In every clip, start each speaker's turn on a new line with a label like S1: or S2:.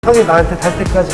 S1: 형이 나한테 달 때까지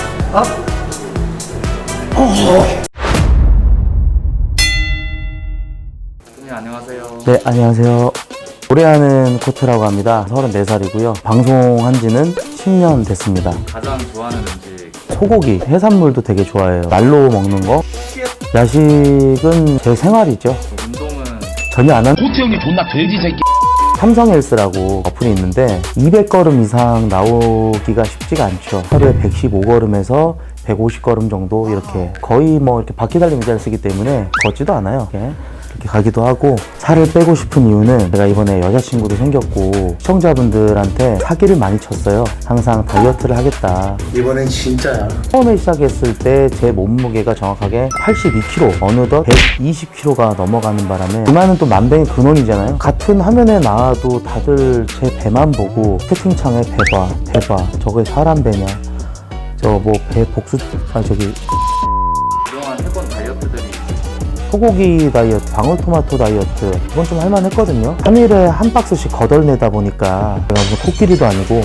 S2: 네, 안녕하세요.
S3: 네, 안녕하세요. 노래하는 코트라고 합니다. 34살이고요. 방송한 지는 10년 됐습니다.
S2: 가장 좋아하는 음식.
S3: 소고기, 해산물도 되게 좋아해요. 날로 먹는 거. 야식은 제 생활이죠.
S2: 운동은
S3: 전혀 안 하는
S4: 코트 형님 존나 돼지 새끼.
S3: 삼성헬스라고 어플이 있는데 200걸음 이상 나오기가 쉽지가 않죠. 하루에 115걸음에서 150걸음 정도 이렇게 거의 뭐 이렇게 바퀴 달린 의자를 쓰기 때문에 걷지도 않아요. 이렇게 가기도 하고. 살을 빼고 싶은 이유는 제가 이번에 여자친구도 생겼고 시청자분들한테 사기를 많이 쳤어요. 항상 다이어트를 하겠다.
S1: 이번엔 진짜야.
S3: 처음에 시작했을 때 제 몸무게가 정확하게 82kg, 어느덧 120kg가 넘어가는 바람에 그만은 또 만병의 근원이잖아요. 같은 화면에 나와도 다들 제 배만 보고 채팅창에 배봐 저거에 사람 배냐, 저 뭐 배 복수, 저기
S2: 그동안 해본 다이어트들이
S3: 소고기 다이어트, 방울토마토 다이어트, 이건 좀 할만했거든요. 3일에 한 박스씩 거덜내다 보니까 제가 무슨 코끼리도 아니고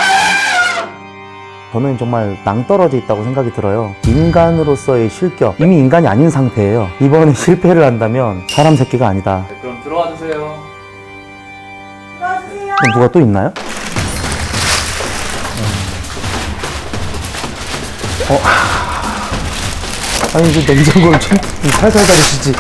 S3: 저는 정말 낭떠러져 있다고 생각이 들어요. 인간으로서의 실격, 이미 인간이 아닌 상태예요. 이번에 실패를 한다면 사람 새끼가 아니다.
S2: 네, 그럼 들어와 주세요.
S3: 그럼 누가 또 있나요? 아니 이제 냉장고를 좀 살살 닫으시지.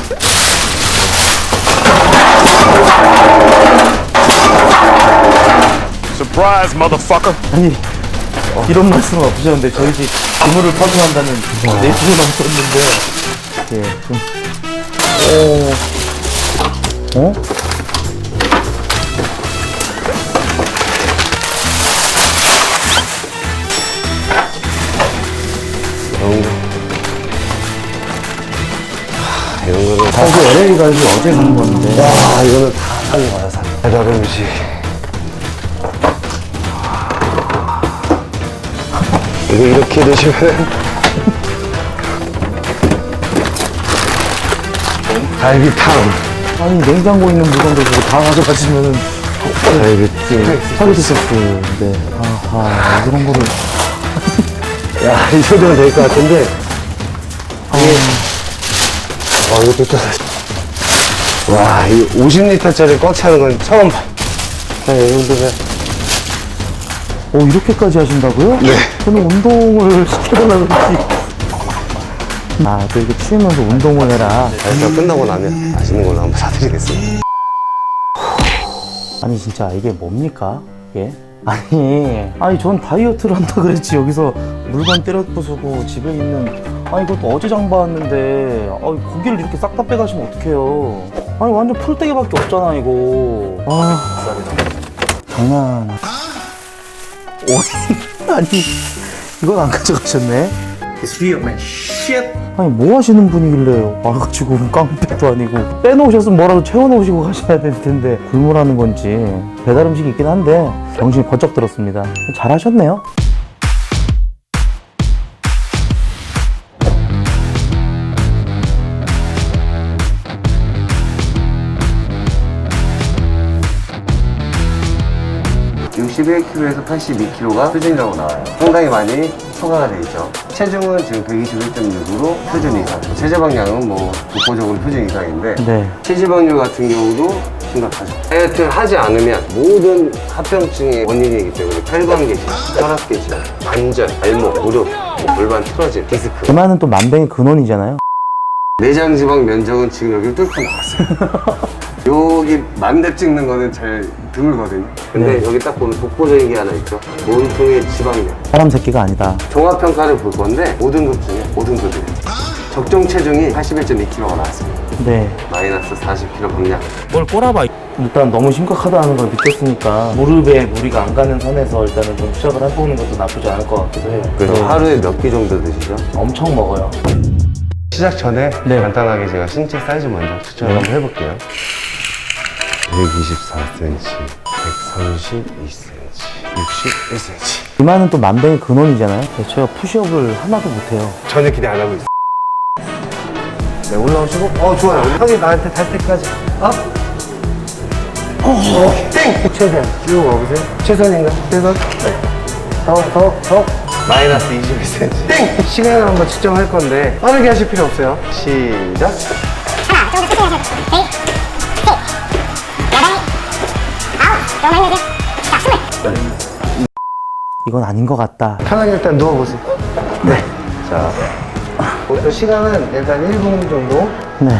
S4: Surprise, motherfucker.
S3: 아니 이런 말씀은 없으셨는데 저희 집 기물을 파손한다는 내부를 넘었는데 예, 좀 어?
S1: 이런 거는
S3: 사실 LA 가서 어제 산 건데.
S1: 와, 이거는 다 사는 거야, 사. 배달 음식. 이거 이렇게 드시면 갈비탕,
S3: 아니 냉장고에 있는 물건들 그거 다 가져가시면은
S1: 갈비찜.
S3: 스파게티 소스인데 아하 이런 거를.
S1: 야, 이 정도면 될 것 같은데. 이것도 또. 와, 이 50리터짜리 꽉 차는 건 처음 봐. 이 정도면.
S3: 이렇게까지 하신다고요?
S1: 네.
S3: 저는 운동을 시켜달라고 그러지. 또 이렇게 추우면서 운동을 해라.
S1: 다이어트가 끝나고 나면 맛있는 걸로 한번 사드리겠습니다.
S3: 아니 진짜 이게 뭡니까? 이게? 아니 전 다이어트를 한다 그랬지 여기서 물건 때려 부수고 집에 있는, 아니 이것도 어제 장봐왔는데 고기를 이렇게 싹 다 빼가시면 어떡해요. 아니 완전 풀떼기밖에 없잖아 이거. 장난. 아니 이건 안 가져가셨네.
S1: It's real, man. Shit.
S3: 아니 뭐 하시는 분이길래 와가지고 깡패도 아니고 빼놓으셨으면 뭐라도 채워놓으시고 가셔야 될 텐데 굴물하는 건지. 배달 음식이 있긴 한데 정신이 번쩍 들었습니다. 잘하셨네요.
S1: (61kg에서) (82kg가) 표준이라고 나와요. 상당히 많이 초과가 돼 있죠. 체중은 지금 121.6으로 표준 이상. 체지방량은 뭐 독보적으로 표준 이상인데
S3: 네.
S1: 체지방률 같은 경우도 심각하죠. 다이어트를 하지 않으면 모든 합병증의 원인이기 때문에 혈관계질, 혈압계질, 관절, 발목, 무릎, 골반 틀어짐, 디스크.
S3: 그만은 또 만병의 근원이잖아요.
S1: 내장 지방 면적은 지금 여기 뚫고 나왔어요. 여기 만렙 찍는 거는 잘 드물거든요. 근데
S3: 네.
S1: 여기 딱 보면 독보적인 게 하나 있죠. 몸통의 지방량.
S3: 사람 새끼가 아니다.
S1: 종합평가를 볼 건데 5등급 중에 5등급이에요. 적정 체중이 81.2kg가 나왔습니다.
S3: 네.
S1: 마이너스 40kg 감량.
S3: 뭘 꼬라봐. 일단 너무 심각하다는 걸 느꼈으니까 무릎에 무리가 안 가는 선에서 일단은 좀 시작을 해보는 것도 나쁘지 않을 것 같기도 해요.
S1: 그래서 하루에 몇 끼 정도 드시죠?
S3: 엄청 먹어요.
S1: 시작 전에
S3: 네.
S1: 간단하게 제가 신체 사이즈 먼저 추천을 한번 해볼게요. 124cm, 132cm, 61cm.
S3: 그만은 또 만병의 근원이잖아요. 제가 푸시업을 하나도 못해요.
S1: 전혀 기대 안 하고 있어요. 네, 올라오시고, 좋아요. 형이 나한테 달 때까지, 땡! 최선. 쭉 와보세요. 최선인가? 최선? 네. 더. 마이너스 21cm. 땡! 시간을 한번 측정할 건데 빠르게 하실 필요 없어요. 시작.
S3: 이건 아닌 것 같다.
S1: 편하게 일단 누워보세요. 네. 자, 목표 시간은 일단 1분 정도.
S3: 네.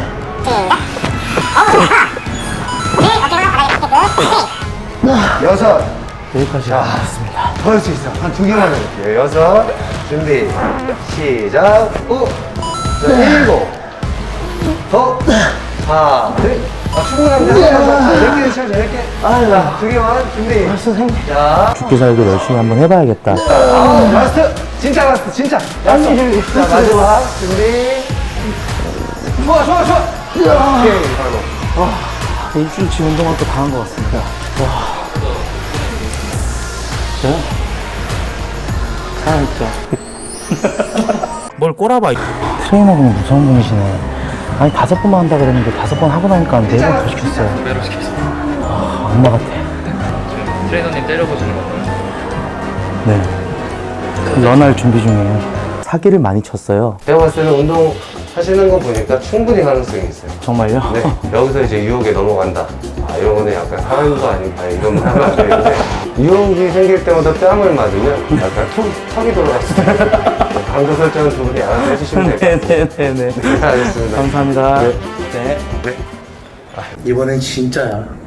S1: 여섯.
S3: 여기까지 왔습니다.
S1: 더 할 수 있어. 한 2개만 해볼게요. 여섯. 준비. 시작. 오. 자, 일곱. 더. 하나, 둘. 아, 충분합니다. 자, 4개 쳐줘, 4개. 자, 2개만. 준비.
S3: 선생님.
S1: 자,
S3: 죽기 살기 열심히 한번 해봐야겠다.
S1: 라스트. 진짜 라스트, 진짜. 라스트. 자, 마지막. 준비. 좋아, 좋아, 좋아. 오케이, 바로.
S3: 일주일치 운동할 거 다 한 것 같습니다. 와. 저요? 살아있죠. 뭘 꼬라봐. 트레이너분이 무서운 분이시네. 아니 5번만 한다 그랬는데 5번 하고 나니까 4번 더 시켰어요.
S2: 배로 시켰어요.
S3: 엄마 같아.
S2: 트레이너님 때려보시는 건가요?
S3: 네. 런할 준비 중이에요. 사기를 많이 쳤어요.
S1: 제가 봤을 때는 운동 하시는 거 보니까 충분히 가능성이 있어요.
S3: 정말요?
S1: 네, 여기서 이제 유혹에 넘어간다. 아, 이런 거는 약간 사람도 아닌가 이런 말 하면 안 되는데 유혹이 생길 때마다 뺨을 맞으면 약간 턱이 돌아갈 수도 있어요. 강도 설정은 두 분이 알아서 해주시면 돼요.
S3: 네네네네.
S1: 네, 알겠습니다.
S3: 감사합니다.
S1: 네.
S3: 네.
S1: 네.
S3: 이번엔 진짜야.